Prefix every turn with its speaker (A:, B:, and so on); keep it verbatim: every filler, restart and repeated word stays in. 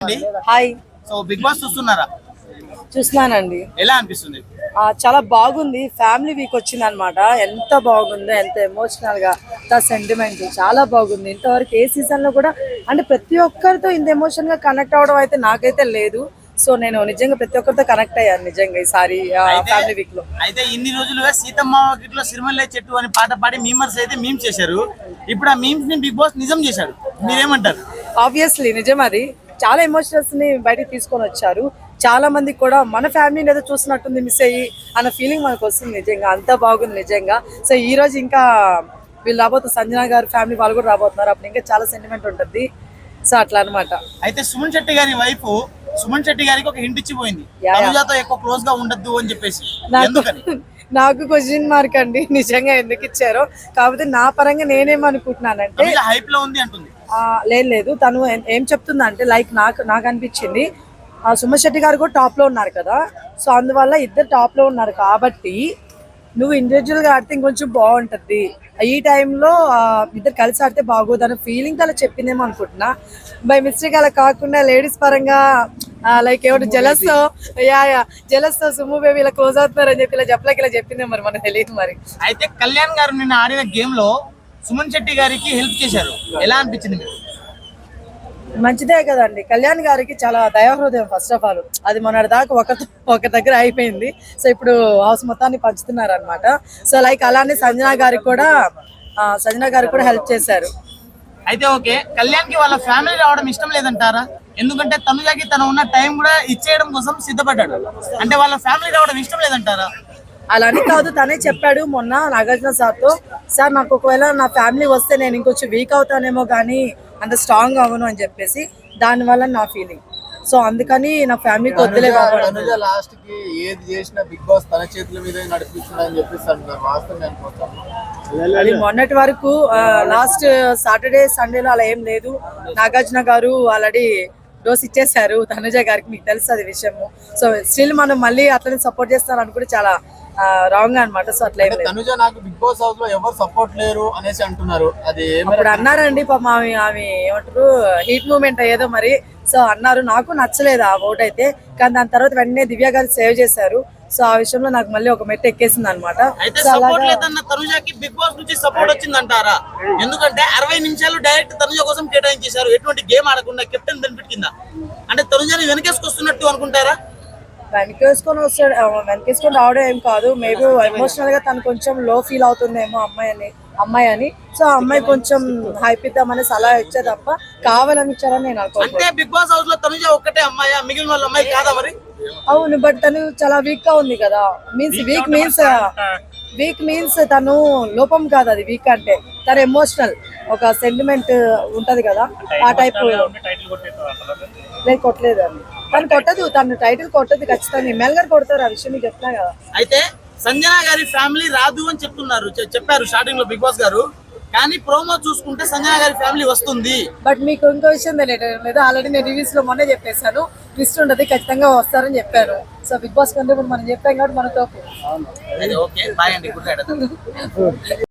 A: Hi.
B: So big boss చూస్తున్నారా?
A: చూస్తున్నానండి.
B: ఎలా అనిపిస్తుంది?
A: చాలా బాగుంది. ఫ్యామిలీ వీక్ వచ్చింది అనమాట. ఎంత బాగుందో, ఎంత ఎమోషనల్ గా, ఎంత సెంటిమెంట్, చాలా బాగుంది. ఇంతవరకు ఏ సీజన్ లో కూడా అంటే ప్రతి ఒక్కరితో ఇంత ఎమోషన్ గా కనెక్ట్ అవడం అయితే నాకైతే లేదు. సో నేను నిజంగా ప్రతి ఒక్కరితో కనెక్ట్ అయ్యాను నిజంగా ఈసారి ఫ్యామిలీ వీక్ లో.
B: అయితే ఇన్ని రోజులుగా సీతమ్మ వాకిట్లో సిరిమల్లె చెట్టు అని పాట పాడి మీమర్స్ అయితే మీమ్స్ చేశారు. ఇప్పుడు ఆ మీమ్స్ ని బిగ్ బాస్ నిజం చేశాడు. మీరేమంటారు?
A: ఆబ్వియస్లీ నిజం. అది చాలా ఎమోషనల్స్ ని బయటకు తీసుకొని వచ్చారు. చాలా మందికి కూడా మన ఫ్యామిలీని ఏదో చూసినట్టుంది మిస్ అయ్యి అన్న ఫీలింగ్ మనకు వస్తుంది. నిజంగా అంత బాగుంది నిజంగా. సో ఈ రోజు ఇంకా వీళ్ళు రాబోతున్నారు, సంజన గారు ఫ్యామిలీ వాళ్ళు కూడా రాబోతున్నారు. అప్పుడు ఇంకా చాలా సెంటిమెంట్ ఉంటుంది. సో అట్లా అనమాట.
B: అయితే సుమన్ శెట్టి గారి వైఫ్ సుమన్ శెట్టి గారికి ఒక హింట్ ఇచ్చిపోయింది, తనుజాతో ఎక్కువ క్లోజ్ గా ఉండద్దు అని చెప్పేసి.
A: నాకు క్వశ్చన్ మార్క్ అండి నిజంగా ఎందుకు ఇచ్చారో. కాకపోతే నా పరంగా నేనేమనుకుంటున్నానంటే
B: హైప్ లో ఉంది అంటుంది.
A: లేదు లేదు తను ఏం చెప్తుందా అంటే లైక్ నాకు నాకు అనిపించింది సుమన్ శెట్టి గారు కూడా టాప్ లో ఉన్నారు కదా. సో అందువల్ల ఇద్దరు టాప్ లో ఉన్నారు కాబట్టి నువ్వు ఇండివిజువల్ గా ఆడితే ఇంకొంచెం బాగుంటది. ఈ టైంలో ఇద్దరు కలిసి ఆడితే బాగోదు అనే ఫీలింగ్ అలా చెప్పిందేమో అనుకుంటున్నా. బై మిస్టేక్ అలా కాకుండా లేడీస్ పరంగా లైక్ ఎవరు జలస్ యా యా జలస్ తో సుమ్ము బేబీ ఇలా క్లోజ్ అవుతున్నారు అని చెప్పి ఇలా చెప్పలేక ఇలా చెప్పిందే మరి మనకు తెలియదు. మరి
B: అయితే కళ్యాణ్ గారు నిన్న ఆడిన గేమ్ లో సుమన్ శెట్టి గారికి హెల్ప్ చేశారు. ఎలా అనిపించింది మీకు?
A: మంచిదే కదండి. కళ్యాణ్ గారికి చాలా దయాహృదయం. ఫస్ట్ ఆఫ్ ఆల్ అది మొన్నటి దాకా ఒక ఒక దగ్గర అయిపోయింది. సో ఇప్పుడు హౌస్ మొత్తాన్ని పంచుతున్నారు అనమాట. సో లైక్ అలానే సంజన గారికి కూడా సంజన గారికి కూడా హెల్ప్ చేశారు.
B: అయితే ఓకే, కళ్యాణ్ కి వాళ్ళ ఫ్యామిలీ రావడం ఇష్టం లేదంటారా? ఎందుకంటే తనుజాకి తను ఉన్న టైం కూడా ఇచ్చేయడం కోసం సిద్ధపడ్డాడు. అంటే వాళ్ళ ఫ్యామిలీ రావడం ఇష్టం లేదంటారా?
A: అలా అని కాదు, తనే చెప్పాడు మొన్న నాగార్జున సార్తో, సార్ నాకు ఒకవేళ నా ఫ్యామిలీ వస్తే నేను ఇంకొంచెం వీక్ అవుతానేమో కానీ అంత స్ట్రాంగ్ అవ్వను అని చెప్పేసి, దానివల్ల నా ఫీలింగ్. సో అందుకని నా ఫ్యామిలీకి వద్దులే.
C: లాస్ట్ కి ఏది చేసినా బిగ్ బాస్ తన చేతుల మీద నడిపిస్తున్నాడని చెప్పేసి అంటారు. వాస్తవం
A: అది మొన్నటి వరకు లాస్ట్ సాటర్డే సండేలో అలా ఏం లేదు. నాగార్జున గారు ఆల్రెడీ డోస్ ఇచ్చేసారు తనుజ గారికి, మీకు తెలుసు అది విషయము. సో స్టిల్ మనం మళ్ళీ అట్లనే సపోర్ట్ చేస్తారు అని కూడా చాలా రాంగ్ అనమాట. సో అట్లా ఏం లేదు.
C: తనుజ నాకు బిగ్ బాస్ హౌస్ లో ఎవరు సపోర్ట్ లేరు అనేసి అంటున్నారు. అది
A: ఇప్పుడు అన్నారండి పాపం ఆమె ఆమె ఏమంటారు హీట్ మూమెంట్ అయ్యేదో మరి. సో అన్నారు, నాకు నచ్చలేదు ఆ ఓట్ అయితే. కానీ దాని తర్వాత వెంటనే దివ్య గారు సేవ్ చేశారు. సో ఆ విషయంలో నాకు మళ్ళీ ఒక మెట్టు ఎక్కేసింది అనమాట.
B: తనుజాకి బిగ్ బాస్ నుంచి సపోర్ట్ వచ్చిందంటారా? ఎందుకంటే అరవై నిమిషాలు డైరెక్ట్ తనుజ కోసం కేటాయించేశారు, ఎటువంటి గేమ్ ఆడకుండా కెప్టెన్ బెనిఫిట్ కింద. అంటే తనుజాని వెనకేసుకొస్తున్నట్టు అనుకుంటారా?
A: వెనకేసుకొని వస్తాడు, వెనకేసుకొని రావడం ఏం కాదు. మేబీ ఎమోషనల్ గా తను కొంచెం లో ఫీల్ అవుతుందేమో అమ్మాయి అని అమ్మాయి అని సో ఆ అమ్మాయి కొంచెం హైప్ ఇద్దామని సలహా ఇచ్చే తప్ప కావాలని ఇచ్చారని నేను అనుకుంటున్నాను.
B: బిగ్ బాస్ హౌస్ లో తనుజ ఒక్కటే అమ్మాయి, మిగిలిన వాళ్ళ అమ్మాయి కాదా మరి?
A: అవును, బట్ తను చాలా వీక్ గా ఉంది కదా. Means weak means weak means తను లోపం కాదు అది వీక్ అంటే. తను ఎమోషనల్, ఒక సెంటిమెంట్ ఉంటది కదా ఆ టైప్. నేను కొట్టలేదు అని తను కొట్టదు, తను టైటిల్ కొట్టదు ఖచ్చితంగా. ఎమ్మెల్యే గారు కొడతారు, ఆ విషయం మీకు చెప్తున్నా కదా.
B: అయితే సంజన గారి ఫ్యామిలీ రాదు అని చెప్తున్నారు, చెప్పారు స్టార్టింగ్ లో బిగ్ బాస్ గారు. కానీ ప్రోమో చూసుకుంటే సంజన గారి ఫ్యామిలీ వస్తుంది.
A: బట్ మీకు ఇంకో విషయం తెలియదు లేదా, ఆల్రెడీ నేను రివ్యూస్ లో మొన్నే చెప్పేశాను, ట్విస్ట్ ఉండదు, ఖచ్చితంగా వస్తారని చెప్పారు. సో బిగ్ బాస్ కంటే ఇప్పుడు మనం చెప్పాం కాబట్టి మనతో
B: ఓకే బాయ్ అండి, గుడ్ నైట్.